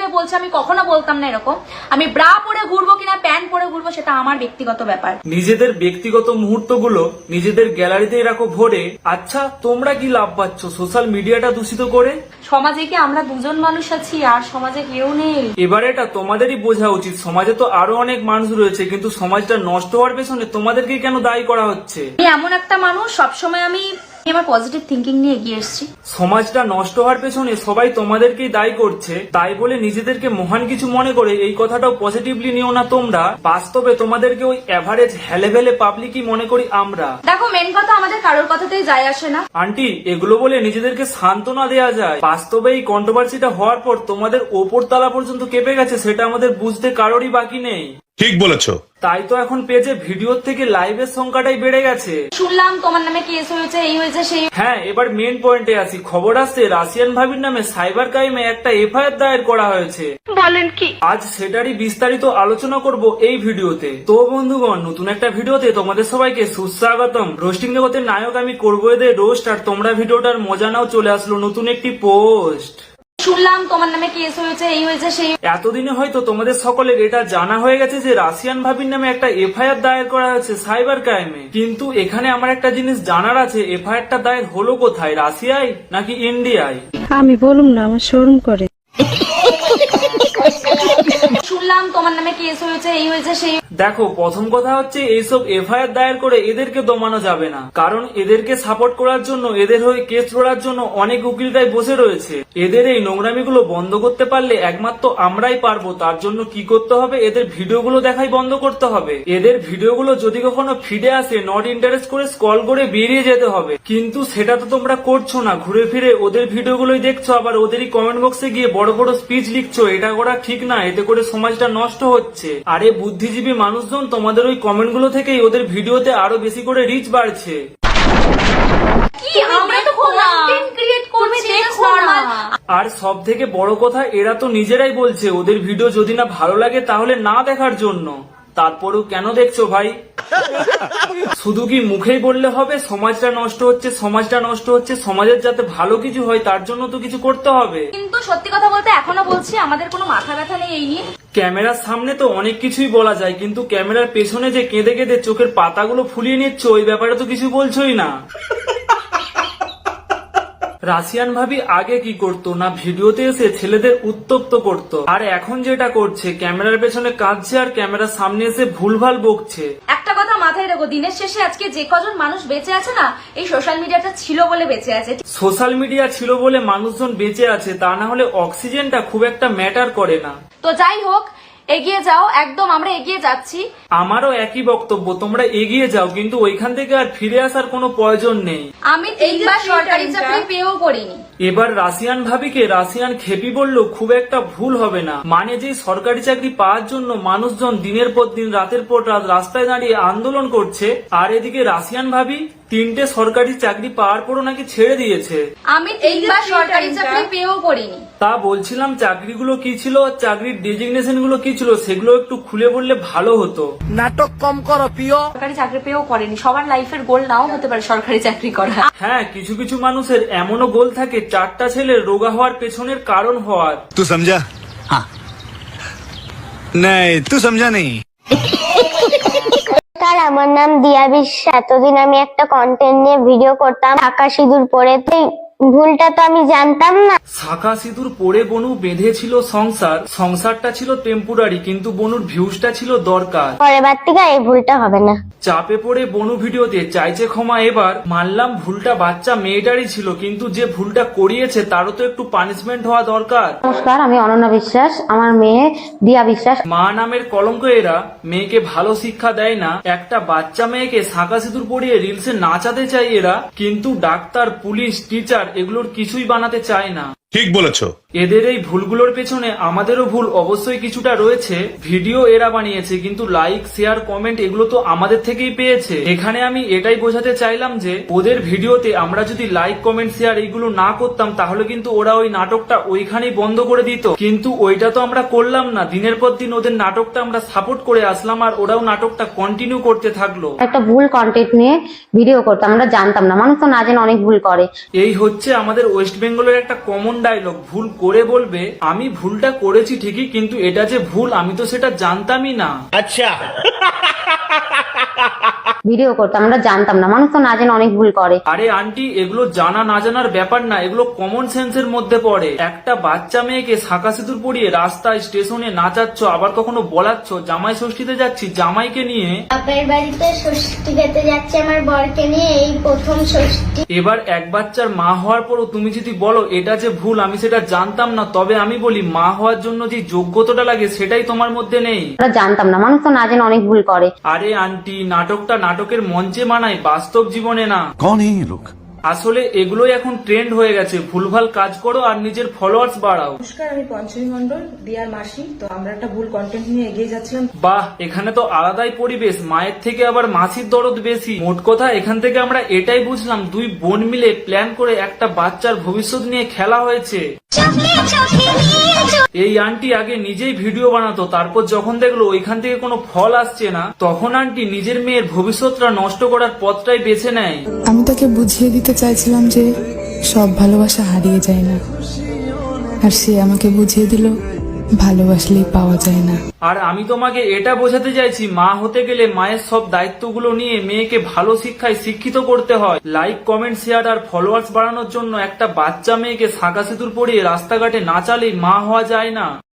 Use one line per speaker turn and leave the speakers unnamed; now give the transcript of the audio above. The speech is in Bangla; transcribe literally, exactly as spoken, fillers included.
ভেবে বলছে, আমি কখনো বলতাম না এরকম। আমি ব্রা পরে ঘুরবো কিনা প্যান্ট পরে ঘুরবো সেটা আমার ব্যক্তিগত ব্যাপার।
নিজেদের ব্যক্তিগত মুহূর্তগুলো নিজেদের গ্যালারিতেই রাখো ভরে। আচ্ছা, তোমরা কি লাভ পাচ্ছ সোশ্যাল মিডিয়াটা দূষিত করে?
সমাজে কি আমরা দুজন মানুষ আছি আর সমাজে কেউ নেই?
এবারে এটা তোমাদেরই বোঝা উচিত, সমাজে তো আরো অনেক মানুষ রয়েছে, কিন্তু সমাজটা নষ্ট হওয়ার পেছনে তোমাদেরকে কেন দায়ী করা হচ্ছে?
আমি এমন একটা মানুষ, সবসময় আমি আমার পজিটিভ থিঙ্কিং নিয়ে এগিয়ে এসেছি।
সমাজটা নষ্ট হওয়ার পেছনে সবাই তোমাদেরকেই দায়ী করছে, তাই বলে নিজেদেরকে মহান কিছু মনে করে এই কথাটাও পজিটিভলি নিও না তোমরা। বাস্তবে তোমাদেরকে ওই এভারেজ হেলেভেলে পাবলিকই মনে করি আমরা।
দেখো, মেন কথা আমাদের কারোর কথাতেই যায় আসে না।
আন্টি, এগুলো বলে নিজেদেরকে সান্ত্বনা দেয়া যায়? বাস্তবে এই কন্ট্রোভার্সিটা হওয়ার পর তোমাদের ওপর তলা পর্যন্ত কেঁপে গেছে, সেটা আমাদের বুঝতে কারোরই বাকি নেই।
ঠিক বলেছো।
তাই তো এখন পেজে ভিডিওর থেকে লাইভের সংখ্যাটাই বেড়ে গেছে।
শুনলাম তোমার নামে কেস হয়েছে, এই হয়েছে সেই।
হ্যাঁ, এবার মেন পয়েন্টে আসি। খবর আসছে রাশিয়ান ভাবির নামে সাইবার ক্রাইমে একটা এফআইআর দায়ের করা হয়েছে।
বলেন কি?
আজ সেটারই বিস্তারিত আলোচনা করব এই ভিডিওতে। তো বন্ধুগণ, নতুন একটা ভিডিওতে তোমাদের সবাইকে সুস্বাগতম। রোস্টিং জগতের নায়ক আমি করবো এদের রোস্ট, আর তোমরা ভিডিওটার মজা নাও। চলে আসলো নতুন একটি পোস্ট।
শুনলাম তোমার নামে কেস হয়েছে, এই হয়েছে সেই।
এতদিনে হয়তো তোমাদের সকলের এটা জানা হয়ে গেছে যে রাশিয়ান ভাবির নামে একটা এফআইআর দায়ের করা হয়েছে সাইবার ক্রাইমে। কিন্তু এখানে আমার একটা জিনিস জানার আছে, এফআইআরটা দায়ের হলো কোথায়, রাশিয়ায় নাকি ইন্ডিয়ায়?
আমি বলুম না, আমার শরম করে।
শুনলাম তোমার নামে কেস হয়েছে, এই হয়েছে সেই।
দেখো, প্রথম কথা হচ্ছে এইসব এফআইআর দায়ের করে এদেরকে দমানো যাবে না, কারণ এদেরকে সাপোর্ট করার জন্য, এদের হয়ে কেস লড়ার জন্য অনেক উকিলরাই বসে রয়েছে। এদের এই নোংরামিগুলো বন্ধ করতে পারলে একমাত্র আমরাই পারবো। তার জন্য কি করতে হবে, এদের ভিডিওগুলো দেখাই বন্ধ করতে হবে। এদের ভিডিওগুলো যদি কখনো ফিডে আসে, নট ইন্টারেস্ট করে স্ক্রল করে বেরিয়ে যেতে হবে। কিন্তু সেটা তো তোমরা করছো না, ঘুরে ফিরে ওদের ভিডিওগুলোই দেখছো, আবার ওদেরই কমেন্ট বক্সে গিয়ে বড় বড় স্পিচ লিখছো। এটা করা ঠিক না, এতে করে সমাজটা নষ্ট হচ্ছে। আরে বুদ্ধিজীবী মানুষজন, তোমাদের ওই কমেন্টগুলো থেকেই ওদের ভিডিওতে আরো বেশি করে রিচ বাড়ছে।
কি আমরা তো কন্টেন্ট ক্রিয়েট করছি, দেখো না।
আর সব থেকে বড় কথা, এরা তো নিজেরাই বলছে ওদের ভিডিও যদি না ভালো লাগে তাহলে না দেখার জন্য। তারপরেও কেন দেখছো ভাই? শুধু কি মুখেই বললে হবে সমাজটা নষ্ট হচ্ছে, সমাজটা নষ্ট হচ্ছে? সমাজের যাতে ভালো কিছু হয় তার জন্য তো কিছু করতে হবে।
কিন্তু সত্যি কথা বলতে এখনো বলছি, আমাদের কোনো মাথা ব্যথা নেই এই নিয়ে।
ক্যামেরার সামনে তো অনেক কিছুই বলা যায়, কিন্তু ক্যামেরার পেছনে যে কেঁদে কেঁদে চোখের পাতাগুলো ফুলিয়ে নিচ্ছ, ওই ব্যাপারে তো কিছু বলছোই না। রাশিয়ান ভাবি আগে কি করতো না, ভিডিওতে এসে ছেলেদের উত্তপ্ত করতো, আর এখন যেটা করছে ক্যামেরার পেছনে কাঁদছে আর ক্যামেরার সামনে এসে ভুলভাল বকছে।
একটা কথা মাথায় রেখো, দিনের শেষে আজকে যে কজন মানুষ বেঁচে আছে না, এই সোশ্যাল মিডিয়াটা ছিল বলে বেঁচে আছে।
সোশ্যাল মিডিয়া ছিল বলে মানুষজন বেঁচে আছে, তা না হলে অক্সিজেনটা খুব একটা ম্যাটার করে না।
তো যাই হোক, এগিয়ে যাও, একদম আমরা এগিয়ে যাচ্ছি।
আমারও একই বক্তব্য, তোমরা এগিয়ে যাও, কিন্তু ওইখান থেকে আর ফিরে আসার কোনো প্রয়োজন নেই।
আমি তিনবার সরকারি চাকরি পেয়েও করিনি।
এবার রাশিয়ান ভাবিকে রাশিয়ান খেপি বললেও খুব একটা ভুল হবে না। মানে যে সরকারি চাকরি পাওয়ার জন্য মানুষজন দিনের পর দিন, রাতের পর রাত রাস্তায় দাঁড়িয়ে আন্দোলন করছে, আর এদিকে রাশিয়ান ভাবি তিনটে সরকারি চাকরি পাওয়ার পরও নাকি ছেড়ে দিয়েছে।
আমি তিনবার সরকারি চাকরি পেয়েও করিনি।
তা বলছিলাম, চাকরিগুলো কি ছিল, চাকরির ডেজিগনেশন গুলো কি ছিল, সেগুলো একটু খুলে বললে ভালো হতো।
নাটক কম করো প্রিয়।
সরকারি চাকরি পেয়েও করেনি। সবার লাইফের গোল নাও হতে পারে সরকারি চাকরি করা।
হ্যাঁ, কিছু কিছু মানুষের এমনও গোল থাকে চারটা ছেলের রোগা হওয়ার পেছনের কারণ হওয়ার।
तू समझा? हाँ नहीं, तू समझा नहीं।
আমার নাম দিয়া বিশ্বাস। এতদিন আমি একটা কন্টেন্ট নিয়ে ভিডিও করতাম, ঢাকা সিঁদুর পরে। তো ভুলটা তো আমি জানতাম না।
শাখা সিঁদুর পরে বনু বেঁধেছিল সংসার, সংসারটা ছিল টেম্পোরারি, কিন্তু বনুর ভিউজটা ছিল দরকার।
পরের থেকে এই ভুলটা হবে না।
চাপে পড়ে বনু ভিডিওতে চাইছে ক্ষমা এবার। মানলাম ভুলটা বাচ্চা মেয়েটারই ছিল, কিন্তু যে ভুলটা করিয়েছে তারও তো একটু পানিশমেন্ট হওয়া দরকার।
নমস্কার, আমি অনন্যা বিশ্বাস, আমার মেয়ে দিয়া বিশ্বাস।
মা নামের কলঙ্ক এরা, মেয়েকে ভালো শিক্ষা দেয় না। একটা বাচ্চা মেয়েকে শাখা সিঁদুর পরিয়ে রিলসে নাচাতে চাই এরা, কিন্তু ডাক্তার, পুলিশ, টিচার এগুলোর কিছুই বানাতে চায় না।
ঠিক বলেছো।
এদের এই ভুলগুলোর পেছনে আমাদেরও ভুল অবশ্যই কিছুটা রয়েছে। ভিডিও এরা বানিয়েছে, কিন্তু লাইক, শেয়ার, কমেন্ট এগুলো তো আমাদের থেকেই পেয়েছে। এখানে আমি এটাই বোঝাতে চাইলাম যে ওদের ভিডিওতে আমরা যদি লাইক, কমেন্ট, শেয়ার এইগুলো না করতাম, তাহলে কিন্তু ওরা ওই নাটকটা ওইখানেই বন্ধ করে দিত। কিন্তু ওইটা তো আমরা করলাম না। দিনের পর দিন ওদের নাটকটা আমরা সাপোর্ট করে আসলাম, আর ওরাও নাটকটা কন্টিনিউ করতে থাকলো।
একটা ভুল কন্টেন্ট নিয়ে ভিডিও করতাম, আমরা জানতাম না। মানুষ তো না জেনে অনেক ভুল করে।
এই হচ্ছে আমাদের ওয়েস্ট বেঙ্গলের একটা কমন ডায়লগ, ভুল করে বলবে আমি ভুলটা করেছি ঠিকই, কিন্তু এটা যে ভুল আমি তো সেটা জানতামই না।
ভিডিও করতাম, আমরা জানতাম না, মানুষ তো না জেনে অনেক ভুল করে।
আরে আন্টি, এগুলো জানা না জানার ব্যাপার না, এগুলো কমন সেন্সের মধ্যে পড়ে। একটা বাচ্চা মেয়েকে শাঁখা সিঁদুর পরিয়ে রাস্তায় স্টেশনে নাচাচ্ছ, আবার কখনো বলাচ্ছ জামাই ষষ্ঠীতে যাচ্ছি জামাইকে নিয়ে।
বাপের বাড়িতে ষষ্ঠী খেতে যাচ্ছে আমার বরকে নিয়ে, এই প্রথম ষষ্ঠী।
এবার এক বাচ্চার মা হওয়ার পরও তুমি যদি বলো এটা যে ভুল আমি সেটা জানতাম না, তবে আমি বলি মা হওয়ার জন্য যে যোগ্যতাটা লাগে সেটাই তোমার মধ্যে নেই।
আমরা জানতাম না, মানুষ তো না জেনে অনেক ভুল করে।
আরে আন্টি, নাটকটা নাটকের মঞ্চে মানায়, বাস্তব জীবনে না।
कौन है ये लोग?
আসলে এগুলোই এখন ট্রেন্ড হয়ে গেছে। ভুলভাল কাজ করো আর নিজের ফলোয়ার্স বাড়াও।
নমস্কার, আমি পঞ্চমী মন্ডল, দিয়ার মাসি। তো আমরা একটা ভুল কন্টেন্ট নিয়ে এগিয়ে যাচ্ছিলাম।
বাহ, এখানে তো আলাদাই পরিবেশ, মায়ের থেকে আবার মাসির দরদ বেশি। মোট কথা এখান থেকে আমরা এটাই বুঝলাম, দুই বোন মিলে প্ল্যান করে একটা বাচ্চার ভবিষ্যৎ নিয়ে খেলা হয়েছে। এই আন্টি আগে নিজেই ভিডিও বানাতো, তারপর যখন দেখলো ওইখান থেকে কোনো ফল আসছে না, তখন আন্টি নিজের মেয়ের ভবিষ্যৎটা নষ্ট করার পথটাই বেছে নেয়।
আমি তাকে বুঝিয়ে দিতে চাইছিলাম যে সব ভালোবাসা হারিয়ে যায় না, আর সে আমাকে বুঝিয়ে দিল ভালোবাসলেই পাওয়া যায় না।
আর আমি তোমাকে এটা বোঝাতে চাইছি, মা হতে গেলে মায়ের সব দায়িত্বগুলো নিয়ে মেয়েকে ভালো শিক্ষায় শিক্ষিত করতে হয়। লাইক, কমেন্ট, শেয়ার আর ফলোয়ার্স বাড়ানোর জন্য একটা বাচ্চা মেয়েকে শাঁখা সিঁদুর পরিয়ে রাস্তাঘাটে নাচালেই মা হওয়া যায় না।